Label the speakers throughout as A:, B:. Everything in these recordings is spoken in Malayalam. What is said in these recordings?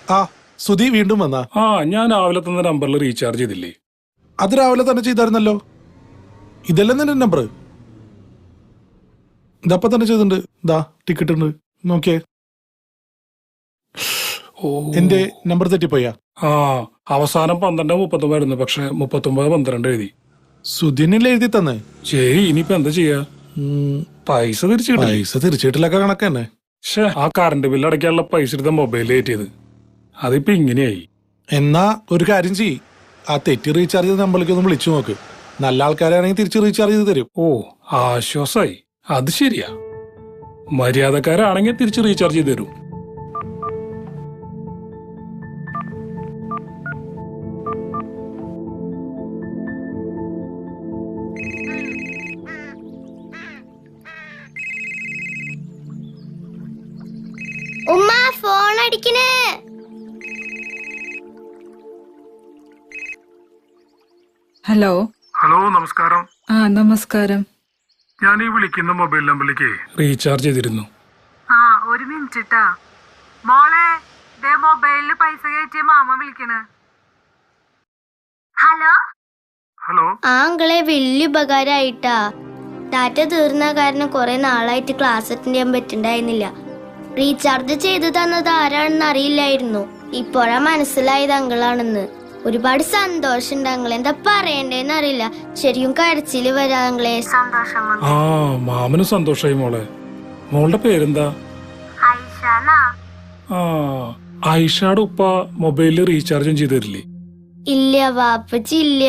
A: ആ സുധി വീണ്ടും വന്നാ?
B: ഞാൻ രാവിലെ തന്ന നമ്പറിൽ റീചാർജ് ചെയ്തില്ലേ?
A: അത് രാവിലെ തന്നെ ചെയ്തായിരുന്നല്ലോ. ഇതല്ലേ നിന്റെ നമ്പർ? ഇതപ്പം തന്നെ ചെയ്തിട്ടുണ്ട്. ഇതാ ടിക്കറ്റ് ഉണ്ട്, നോക്കിയേ. എന്റെ നമ്പർ തെറ്റിപ്പോയാ?
B: അവസാനം 12:39 പക്ഷെ 39:12 എഴുതി.
A: സുധിനല്ലേ എഴുതി തന്നെ?
B: ശരി, ഇനിയിപ്പോ എന്താ ചെയ്യാ? പൈസ
A: തിരിച്ചിട്ടില്ലൊക്കെ കണക്ക് തന്നെ.
B: ആ കറണ്ട് ബില്ല് അടയ്ക്കാനുള്ള പൈസ എടുത്ത മൊബൈൽ കയറ്റിയത് അതിപ്പോ ഇങ്ങനെയായി.
A: എന്നാ ഒരു കാര്യം ചെയ്യ്, ആ തെറ്റി റീചാർജ് ചെയ്ത നമ്പറിലേക്ക് ഒന്ന് വിളിച്ചു നോക്ക്. നല്ല ആൾക്കാരാണെങ്കിൽ തിരിച്ച് റീചാർജ് ചെയ്ത് തരും.
B: ആശ്വാസായി. അത് ശരിയാ, മര്യാദക്കാരാണെങ്കിൽ തിരിച്ച് റീചാർജ് ചെയ്ത് തരും.
C: ഉമ്മ ഫോൺ അടിക്കണേ.
D: ഹലോ.
B: നമസ്കാരം.
D: നമസ്കാരം.
B: ഞാൻ ഈ വിളിക്കുന്ന മൊബൈൽ നമ്പറിലേക്ക് റീചാർജ് ചെയ്തിരുന്നു.
E: ഒരു മിനിറ്റ് മോളെ, മൊബൈലില് പൈസ കയറ്റിയ മാമ വിളിക്കണ്.
C: ഹലോ.
B: ഹലോ.
C: ആങ്ങളെ വലിയ ഉപകാരമായിട്ടാ. ഡാറ്റ തീർന്ന കാരണം കുറെ നാളായിട്ട് ക്ലാസ് അറ്റൻഡ് ചെയ്യാൻ പറ്റുണ്ടായിരുന്നില്ല. റീചാർജ് ചെയ്തു തന്നത് ആരാണെന്ന് അറിയില്ലായിരുന്നു. ഇപ്പോഴാ മനസ്സിലായത് അങ്കിളാണെന്ന്. ഒരുപാട് സന്തോഷമുണ്ട് അങ്കിൾ. എന്താ പറയണ്ടേന്ന് അറിയില്ല. ശരിക്കും കരച്ചില് വരാ അങ്കിളെ.
E: സന്തോഷം.
B: മാമന് സന്തോഷായി മോളെ. മോളുടെ പേരെന്താ? ആയിഷയുടെ ഉപ്പ മൊബൈലിൽ റീചാർജും ചെയ്തു തരില്ലേ?
C: ഇല്ല വാപ്പച്ചി, ഇല്ല.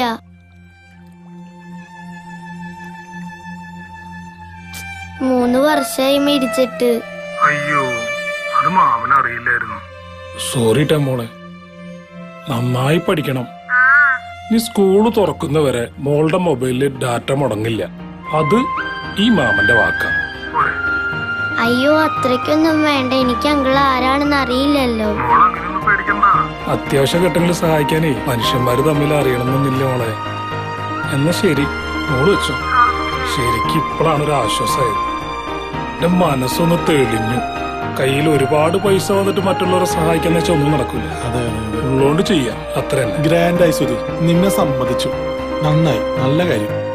C: മൂന്ന് വർഷമായി മരിച്ചിട്ട്.
B: അയ്യോ, അത് മാമന് അറിയില്ലായിരുന്നു. സോറി ട്ടാ മോളെ. നന്നായി പഠിക്കണം. ഈ സ്കൂള് തുറക്കുന്നവരെ മോളുടെ മൊബൈലില് ഡാറ്റ മുടങ്ങില്ല. അത് ഈ മാമന്റെ വാക്കാ.
C: അയ്യോ, അത്രയ്ക്കൊന്നും വേണ്ട. എനിക്ക് അങ്കിൾ ആരാണെന്ന് അറിയില്ലല്ലോ.
B: അത്യാവശ്യ ഘട്ടങ്ങളിൽ സഹായിക്കാനേ മനുഷ്യന്മാര് തമ്മിൽ അറിയണമെന്നില്ല മോളെ. എന്നാ ശരി, മോള് വെച്ചോ. ശരിക്കും ഇപ്പോഴാണ് ഒരു ആശ്വാസമായത്. എന്റെ മനസ്സൊന്ന് തെളിഞ്ഞു. കയ്യിൽ ഒരുപാട് പൈസ വന്നിട്ട് മറ്റുള്ളവരെ സഹായിക്കാന്ന് വെച്ചാൽ ഒന്നും നടക്കൂല. ഉള്ളോണ്ട് ചെയ്യാം, അത്ര തന്നെ.
A: ഗ്രാൻഡായി സുധി, നിന്നെ സമ്മതിച്ചു. നന്നായി, നല്ല കാര്യം.